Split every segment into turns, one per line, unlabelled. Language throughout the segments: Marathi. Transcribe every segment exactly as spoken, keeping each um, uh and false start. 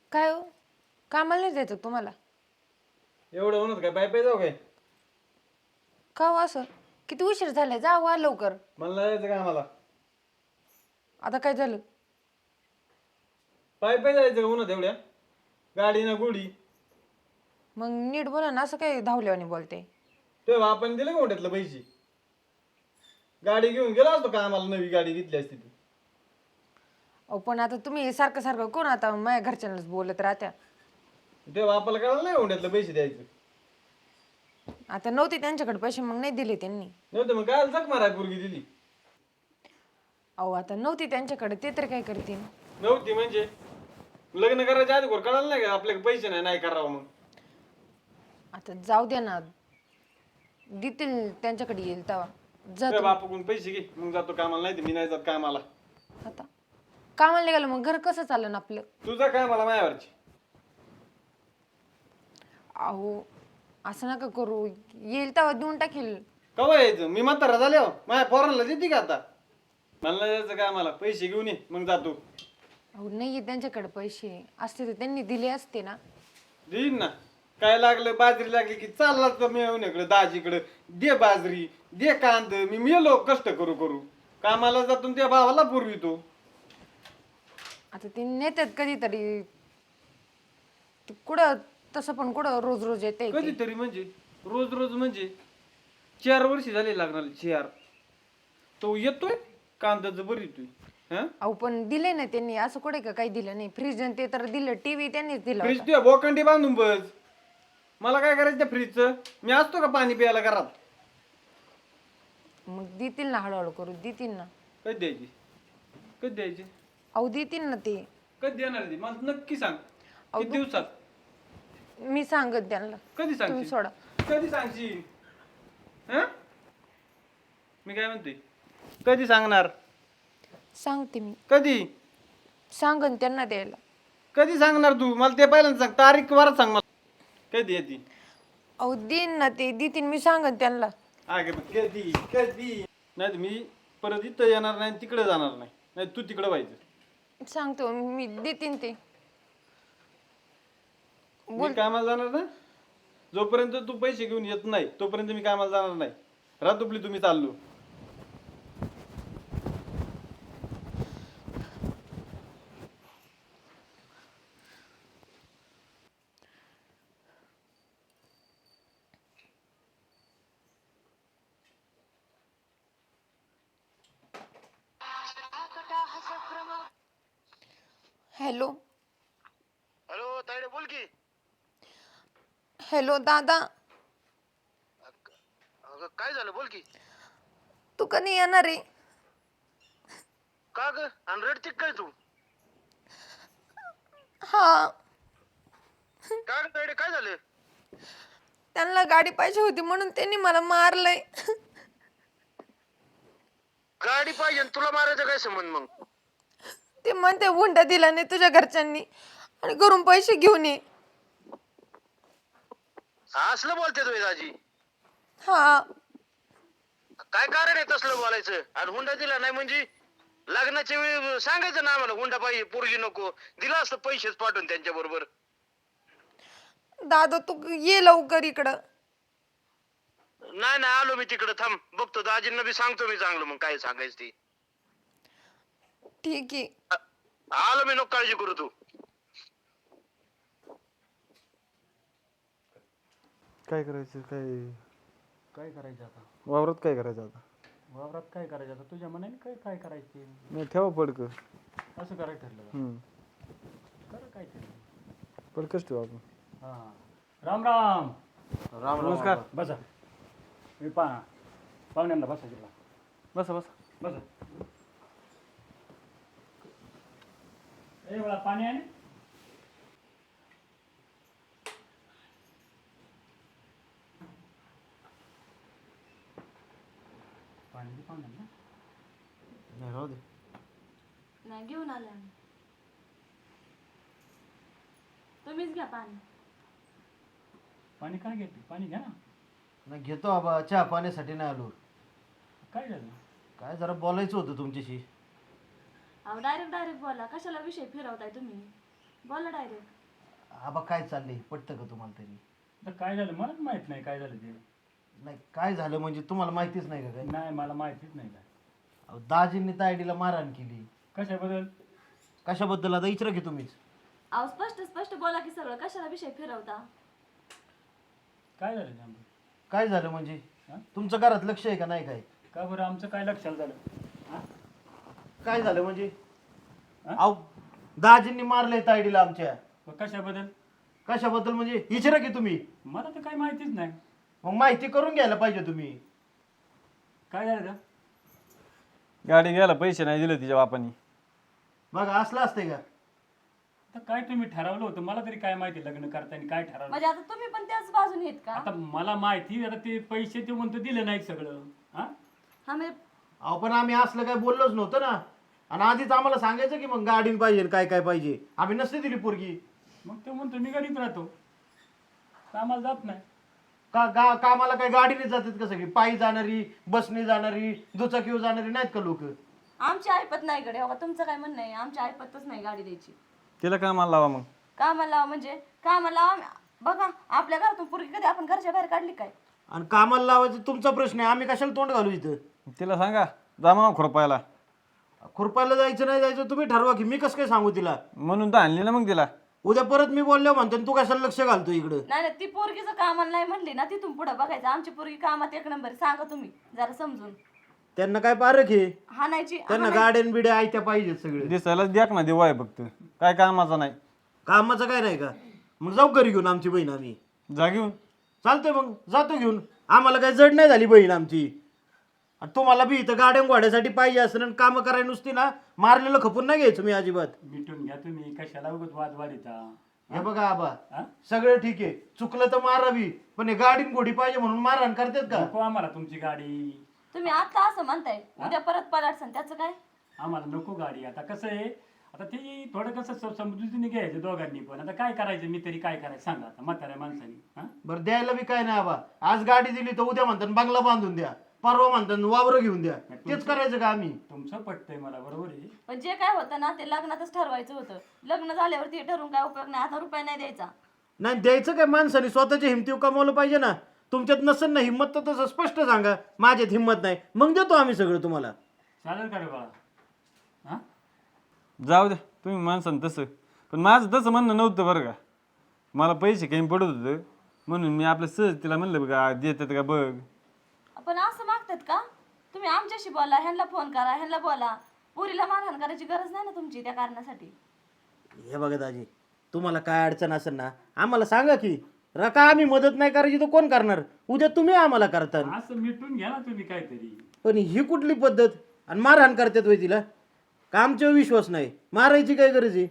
काय हो कामाला नाही जायचं तुम्हाला?
एवढं म्हणत काय पाय पाय जाऊ काय?
का हो असं? किती उशीर झालाय, जा वा लवकर.
मला नाही जायचं का आम्हाला?
आता काय झालं?
पाय पाय जायचं का म्हणत एवढ्या? गाडी ना गुडी.
मग नीट बोला ना, असं काय धावल्यावानी बोलते?
तेव्हा आपण दिले का मोठ्यातलं पैसे? गाडी घेऊन गेलो असतो का आम्हाला नवी गाडी घेतली असती ती?
अहो पण आता तुम्ही सारखं सारखं कोण आता माझ्या घरच्यांनाच बोलत राहत्या.
तेव्हा आपल्याला कळलं नाही मोठ्यातलं पैसे द्यायचं.
आता नव्हते त्यांच्याकडे पैसे, मग नाही दिले त्यांनी.
नव्हतं मग काय जग माराय पोरगी दिली.
अहो आता नव्हती त्यांच्याकडे, ते तर काय करतील?
नव्हती म्हणजे लग्न करायच्या आधी कोण कळालं नाही का आपल्याकडे पैसे नाही नाही करावं मग.
आता जाऊ द्या ना, देतील त्यांच्याकडे येईल तेव्हा. जा
तुझ्या
तुम्ही.
बापाकडून पैसे घे मग जातो कामाला, नाही तर मी नाही जात कामाला.
आता कामाला निघालं मग घर कसं चाललं ना आपलं?
तुझं कामाला मायावरची.
अहो असं नका करू, येईल तेव्हा देऊन टाकील.
कवा यायचं? मी म्हातारा झाले हो, माझ्या पोरांना देते का आता? मला नाही जायचं कामाला, पैसे घेऊन ये मग जातो.
अहो नाही त्यांच्याकडे पैसे असते तर त्यांनी दिले असते ना.
देईन ना. काय लागलं, बाजरी लागली की चालला तर मी येऊन इकडे दाजीकडे, दे बाजरी दे कांद, मी मेलो कष्ट करू करू. कामाला जातो त्या भावाला पुरवितो.
आता ते नेतात कधीतरी, ते कुठं तसं पण कुठं रोज रोज येते.
कधीतरी म्हणजे रोज रोज म्हणजे चार वर्षी झाले लागणार, चार. तो येतोय कांद्याचं बरं येतोय. हा
अहो पण दिले ना त्यांनी, असं कुठे का काही दिलं नाही. फ्रीज ते तर दिलं, टीव्ही त्यांनीच दिला
फ्रीज
होता.
तुझ्या बोकंडी बांधून बस. मला काय करायचं त्या फ्रीजचं? मी असतो का पाणी प्यायला घरात?
मग देतील ना, हळूहळू करू देतील ना.
कधी द्यायची? कधी द्यायची?
अहो देतील ना ते.
कधी देणार ती मला नक्की सांग.
अहो,
किती दिवसात?
मी सांगत त्यांना.
कधी
तुम्ही
सांगशील?
सोडा.
कधी सांगशील? हं? मी काय म्हणते, कधी सांगणार?
सांगते मी,
कधी?
सांगन त्यांना द्यायला.
कधी सांगणार तू? मला ते पहिल्यांदा सांग, तारीख वार सांग मला. कधी येते?
अहो देईन ना ते, देतील मी सांगन त्यांना.
अगे मग कधी कधी नाही तर मी परत इथं येणार नाही, तिकडे जाणार नाही. नाही तू तिकडे व्हायचं.
सांगतो मी, देतील ते.
मी कामाला जाणार ना, जोपर्यंत तू पैसे घेऊन येत नाही तोपर्यंत मी कामाला जाणार नाही. रात दुपली तुम्ही चाललो.
हॅलो.
हॅलो तायडे बोल की.
हॅलो दादा,
अगं काय झालं बोल की.
तू कधी येणार आहे?
का ग आणि रडती काय तू?
हा,
का ग तायडे काय झालं?
त्यांना गाडी पाहिजे होती म्हणून त्यांनी मला मारलंय.
गाडी पाहिजे आणि तुला मारायचं काय संबंध मग?
ते म्हणते हुंडा दिला नाही तुझ्या घरच्यांनी आणि घरून पैसे घेऊन ये.
असलं बोलते तुम्ही दाजी?
हा,
काय कारण आहे तसलं बोलायचं? आणि हुंडा दिला नाही म्हणजे लग्नाच्या वेळी सांगायचं ना आम्हाला हुंडा पाहिजे, पोरगी नको. दिला असतं पैसेच पाठवून त्यांच्या बरोबर.
दादा तू ये लवकर इकडं.
नाही नाही आलो मी तिकडे, थांब बघतो दाजींना बी सांगतो मी चांगलं मग काय सांगायचं ते.
ठीक आहे.
आ- आलो मी, नको काळजी करू तू.
काय करायचं? काय
काय करायचं आता?
वावरात काय करायचं आता?
वावरात काय करायचं आता? तुझ्या मनाने काय काय करायचे?
नाही ठेवा पडक.
असं करायचं ठरलं का? कर काय ठरलं?
पडकच ठेवा आपण.
हां, राम राम.
राम नमस्कार.
बसा. मी पा पाहुण्यांना बसा गेला.
बसा बसा.
बसा. ए मला पाणी आहे ना? पाणी दे पाहुण्यांना.
नाही राहू दे.
नाही घेऊन आले आम्ही. तुम्हीच घ्या पाणी.
पाणी काय घेते? पाणी घ्या ना.
नाही घेतो आबा, चहा पाण्यासाठी नाही आलो.
काय झालं?
काय जरा बोलायचं होतं तुमच्याशी.
अहो डायरेक्ट डायरेक्ट बोला, कशाला विषय फिरवताय तुम्ही? बोला डायरेक्ट.
आबा काय चाललंय पटतं का तुम्हाला तरी?
तर काय झालं मला माहित नाही काय झालं ते.
नाही काय झालं म्हणजे तुम्हाला माहितीच नाही का काय?
नाही मला माहितीच नाही काय.
अहो, दाजींनी तायडीला मारहाण केली.
कशाबद्दल?
कशाबद्दल आता विचारा की तुम्हीच.
अहो स्पष्ट स्पष्ट बोला की सगळं, कशाला विषय फिरवता?
काय झालं नेमकं?
काय झालं म्हणजे?
हा?
तुमचं घरात लक्ष आहे का नाही काय?
का बरं आमचं काय लक्षात झालं? हा?
काय झालं म्हणजे?
हा?
अहो दाजींनी मारलंय तायडीला आमच्या.
मग कशाबद्दल?
कशाबद्दल म्हणजे विचारा की तुम्ही.
मला तर काय माहितीच नाही.
मग माहिती करून घ्यायला पाहिजे तुम्ही.
काय झालं का?
गाडी घ्यायला पैसे नाही दिले तिच्या बापानी.
बघा असलं असतंय का?
आता काय तुम्ही ठरवलं होतं मला तरी काय माहिती लग्न करताना काय ठरवलं?
म्हणजे आता तुम्ही पण त्याच बाजून येत का?
आता मला माहिती आता ते पैसे ते म्हणतो दिले नाहीत सगळं. हा
हा म्हणजे
अहो पण आम्ही असलं काय बोललोच नव्हतं ना. आणि आधीच आम्हाला सांगायचं की मग गाडीन पाहिजे काय काय पाहिजे. आम्ही नसते दिली पोरगी.
मग ते म्हणतो मी घरीच राहतो, कामाला जात नाही.
का गा कामाला काय गाडीने जातात का सगळी? पायी जाणारी, बसने जाणारी, दुचाकीवर जाणारी नाहीत का लोक?
आमची ऐपत नाही कडे हो का? तुमचं काय म्हणणं आहे? आमची ऐपतच नाही गाडी द्यायची.
तिला कामाला लावा मग.
कामाला लावा म्हणजे कामाला लावा. बघा आपल्या घरातून पोरगी कधी आपण घरच्या बाहेर काढली काय?
आणि कामाला लावायचं तुमचा प्रश्न आहे. आम्ही कशाला तोंड घालू इथं?
तिला सांगा जा मग खुरपायला.
खुरपायला जायचं नाही जायचं तुम्ही ठरवा की. मी कसं काय सांगू तिला?
म्हणून तर आणली ना मग तिला.
उद्या परत मी बोललो म्हणतो तू कशाला लक्ष घालतो इकडं?
नाही नाही, ती पोरगीचं कामाला नाही म्हणली ना, तिथून पुढे बघायचं. आमची पोरगी कामात एक नंबर. सांगा तुम्ही जरा समजून.
त्यांना काय पारख आहे?
हाणायची
त्यांना गाड्यान बिड्या आयत्या पाहिजेत सगळे.
दिसायला द्याक ना देवा आहे फक्त, काय कामाचा नाही.
कामाचं काय नाही का? मग जाऊ घरी घेऊन आमची बहीण आम्ही.
जा घेऊन.
चालतंय मग जातो घेऊन. आम्हाला काही जड नाही झाली बहीण आमची. आणि तुम्हाला बी इथं गाड्या घोड्यासाठी पाहिजे असं आणि कामं करायला नुसती ना मारलेलं खपून नाही घ्यायचं मी अजिबात.
मिटून घ्या तुम्ही, कशाला उगाच वाद वाढीता.
हे बघा आबा
हा?
सगळं ठीक आहे, चुकलं तर मारावी, पण हे गाडीन घोडी पाहिजे म्हणून मारहाण करतात का?
नको आम्हाला तुमची गाडी.
तुम्ही आता असं म्हणताय, उद्या परत पलाटसन त्याचं काय?
आम्हाला नको गाडी. आता कसं आहे, आता ते थोडं कसं स- समजुतीने घ्यायचं दोघांनी पण. आता काय करायचं, मी तरी काय करायचं सांगा आता म्हाताऱ्या माणसानी. हा
बरं द्यायला बी काय नाही आबा. आज गाडी दिली तर उद्या म्हणतात बंगला बांधून द्या, परवा म्हणतात वावर घेऊन द्या. तेच करायचं का आम्ही?
तुमचं पटतंय मला, बरोबर आहे.
पण जे काय होतं ना ते लग्नातच ठरवायचं होतं. लग्न झाल्यावरती ठरवून काय उपयोग नाही. आता रुपये नाही द्यायचा.
नाही द्यायचं काय? माणसाने स्वतःच्या हिमतीव कमावलं पाहिजे ना. तुमच्यात नसेल ना हिंमत तर तसं स्पष्ट सांगा माझ्यात हिंमत नाही, मग देतो आम्ही सगळं तुम्हाला.
चालेल का रे बाळा? हा
जाऊ द्या तुम्ही माणसानं तसं, पण माझं तसं म्हणणं नव्हतं बरं का. मला पैसे काही पडत होतं म्हणून मी आपलं सहज तिला म्हणलं बघा देतात का बघ.
पण असं मागतात का तुम्ही? आमच्याशी बोला, ह्यांना फोन करा, ह्यांना बोला. पुरीला मारहाण करायची गरज नाही ना तुमची त्या कारणासाठी.
हे बघा दाजी, तुम्हाला काय अडचण असेल ना आम्हाला सांगा की. रका आम्ही मदत नाही करायची तर कोण करणार? उद्या तुम्ही आम्हाला करता.
असं मिटून घ्या ना तुम्ही काहीतरी.
पण ही कुठली पद्धत? आणि मारहाण करतात वय तिला का? आमच्यावर विश्वास नाही, मारायची काय गरज आहे?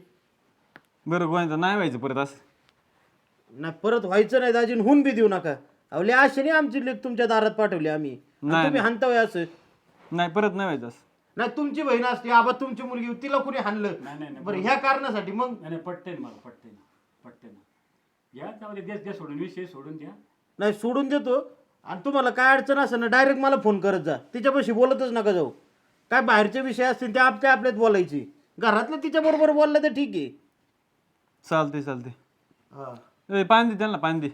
बरं गोव्यांचं नाही व्हायचं परत असं.
नाही परत व्हायचं नाही दाजी, होऊन बी देऊ नका. अवले आशेने आमची लेख तुमच्या दारात पाठवली आम्ही, आणि
नाही,
तुम्ही हाणतावय असं.
नाही परत नाही व्हायचं असं.
नाही तुमची बहीण असते आबा, तुमची मुलगी, तिला कुणी हाणलं
नाही नाही नाही,
बरं ह्या कारणासाठी? मग
नाही नाही, पटतंय ना मला, पटतंय ना, पटतंय ना. घ्या त्यामध्ये द्या द्या सोडून, विषय सोडून द्या.
नाही सोडून देतो. आणि तुम्हाला काय अडचण असेल ना डायरेक्ट मला फोन करत जा. तिच्यापाशी बोलतच नका जाऊ. काय बाहेरचे विषय असतील ते आपल्या आपल्यात बोलायची. घरातलं तिच्या बरोबर बोललं तर ठीक आहे.
चालते चालते.
हा
ए पाणी दे त्यांना, पाणी दे.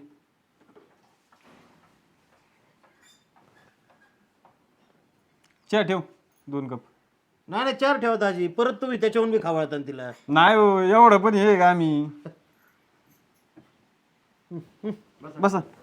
चहा ठेव दोन कप.
नाही नाही चार ठेवा दाजी, परत तुम्ही त्याच्याहून बी खावळता ना तिला.
नाही हो एवढं पण हे का आम्ही. बसा.